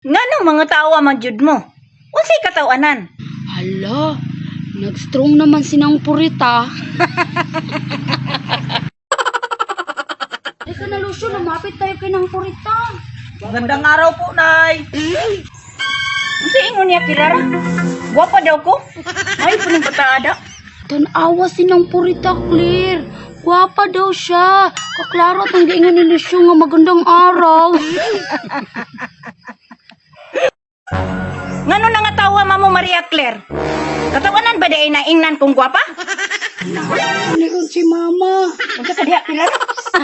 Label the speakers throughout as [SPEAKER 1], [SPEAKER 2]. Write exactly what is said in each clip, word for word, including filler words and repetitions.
[SPEAKER 1] Nganong mga tawa man jud mo? Unsay katawanan?
[SPEAKER 2] Hala, nag-strong naman sinang purita. Teka na, Lucio, lumapit tayo kay nang purita.
[SPEAKER 3] Magandang araw po, Nay.
[SPEAKER 1] Unsay ingon niya Kirara? Gwapa daw ko? Ay puning pataada.
[SPEAKER 2] Tanawa sinang purita, Claire. Gwapa daw siya. Kaklaro at ang giingon ni Lucio nga magandang araw.
[SPEAKER 1] Ngano na nga tawa mamo Maria Claire? Katawanan ba day na ingnan kong gwapa?
[SPEAKER 3] Niron si Mama.
[SPEAKER 1] Unsa ka diha Kirara?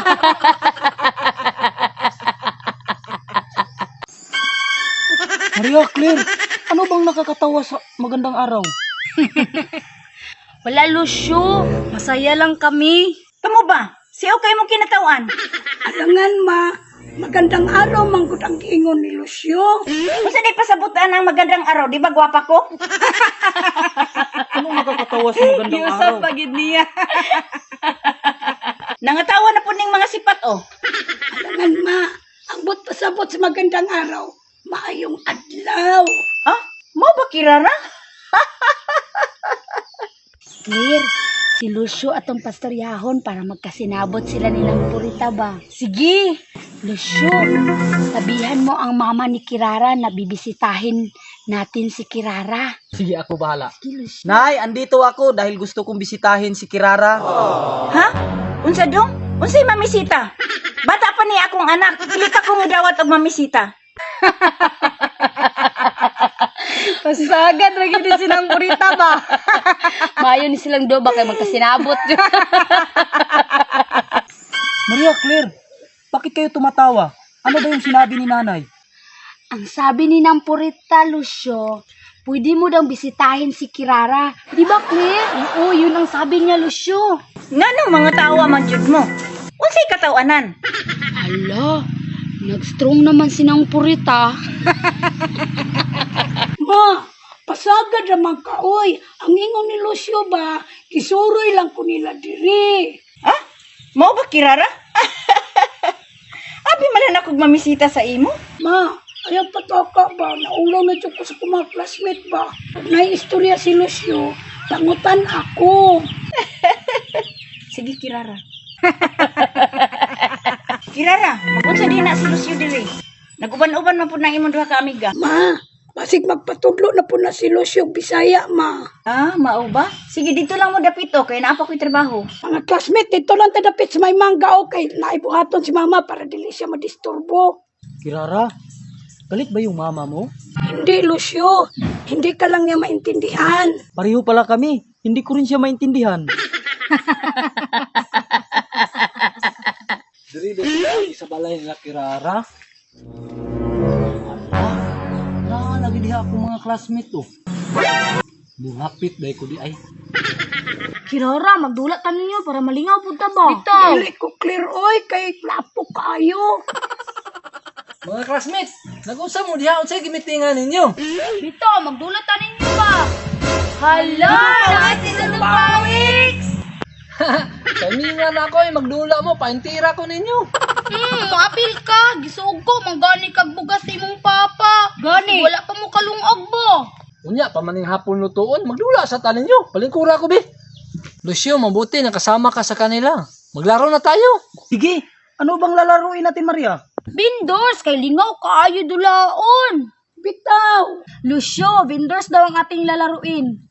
[SPEAKER 3] Maria Claire, ano bang nakakatawa sa magandang araw?
[SPEAKER 2] Wala, Lucio. Masaya lang kami.
[SPEAKER 1] Kamo ba? Siya kay mo kinatawan.
[SPEAKER 3] Alangan, Ma. Magandang araw, manggod ang giingon ni Lucio.
[SPEAKER 1] Unsa day pasabutan ang magandang araw, di ba gwapa ko?
[SPEAKER 3] Ano nakakatawa sa magandang araw?
[SPEAKER 1] pagid niya. Nangatawa na po ning mga sipat oh.
[SPEAKER 3] Alangan, Ma. Ambot pasabot sa magandang araw. Maayong adlaw.
[SPEAKER 1] Ah, mo ba Kirara?
[SPEAKER 2] Claire, si Lucio atong pastoryahon para magkasinabot sila nilang purita ba? Sige! Lucio, sabihan mo ang mama ni Kirara na bibisitahin natin si Kirara.
[SPEAKER 4] Sige, ako bahala.
[SPEAKER 2] Sige, Lucio.
[SPEAKER 4] Nay, andito ako dahil gusto kong bisitahin si Kirara.
[SPEAKER 1] Ha? Unsa dong? Unsay mamisita? Bata pa ni akong anak, dili pa ko mudawat og mamisita.
[SPEAKER 2] Pasagad, lagi din silang purita ba? Mayo ni silang do ba kay magkasinabot.
[SPEAKER 3] Maria Claire, bakit kayo tumatawa? Ano ba yung sinabi ni Nanay?
[SPEAKER 2] Ang sabi ni nang purita, Lucio, pwede mo daw bisitahin si Kirara. Di ba, Claire? Oo, yun ang sabi niya, Lucio.
[SPEAKER 1] Nganong mga tawa man jud mo? Unsay katawanan?
[SPEAKER 2] Hala, nag-strong naman sinang purita.
[SPEAKER 3] Ma, pasagad naman ka, oy. Ang ingon ni Lucio ba, kisuroy lang ko nila diri.
[SPEAKER 1] Ha? Mao ba Kirara? Abi malan ako mamisita sa imo?
[SPEAKER 3] Ma, ayaw pataka ba? Naulaw na dyan ko sa mga classmate ba? Pag naiistorya si Lucio, tangutan ako.
[SPEAKER 1] Sige Kirara. Kirara, magunsa din na si Lucio diri. Naguban-uban man pud nang imong duha ka amiga.
[SPEAKER 3] Ma, basig magpatudlo na po na si Lucio Bisaya, ma.
[SPEAKER 1] Ah, mao ba? Sige dito lang mo dapito kay naa pa ko'y trabaho.
[SPEAKER 3] Mga classmate, ito lang tadapit sa may mangga, okay? Naibuhaton si mama para dili siya madisturbo.
[SPEAKER 4] Kirara, galit ba yung mama mo?
[SPEAKER 3] Hindi, Lucio. Hindi ka lang niya maintindihan.
[SPEAKER 4] Pareho pala kami. Hindi ko rin siya maintindihan. Diri diri sa balay nila Kirara. Ala, na lagi diha ako mga classmate to. Bungapit dai ko di ay.
[SPEAKER 2] Kirara, magdulat ka ninyo para malingaw po ta ba?
[SPEAKER 3] Dili ko clear, oy, kay lapo kayo.
[SPEAKER 4] Mga classmates, nag-usap mo diha unsay gimitingan ninyo?
[SPEAKER 2] Bito, magdulat ka ninyo ba? Hala, nakasi sa Tupawiks!
[SPEAKER 4] Kamingan ako eh, magdula mo, paintira ko ninyo.
[SPEAKER 2] Hmm, maapil ka. Gisuog ko, manggani kag bugas sa imong papa. Gani. Wala pa mo kalungog bo.
[SPEAKER 4] Unya, pamaning hapon lutuon, magdula sa tanin nyo. Palingkura ko, be. Lucio, mabuti, nakasama ka sa kanila. Maglaro na tayo.
[SPEAKER 3] Sige, ano bang lalaruin natin, Maria?
[SPEAKER 2] Vendors, kay lingaw kaayo dulaon.
[SPEAKER 3] Bitaw.
[SPEAKER 2] Lucio, vendors daw ang ating lalaruin.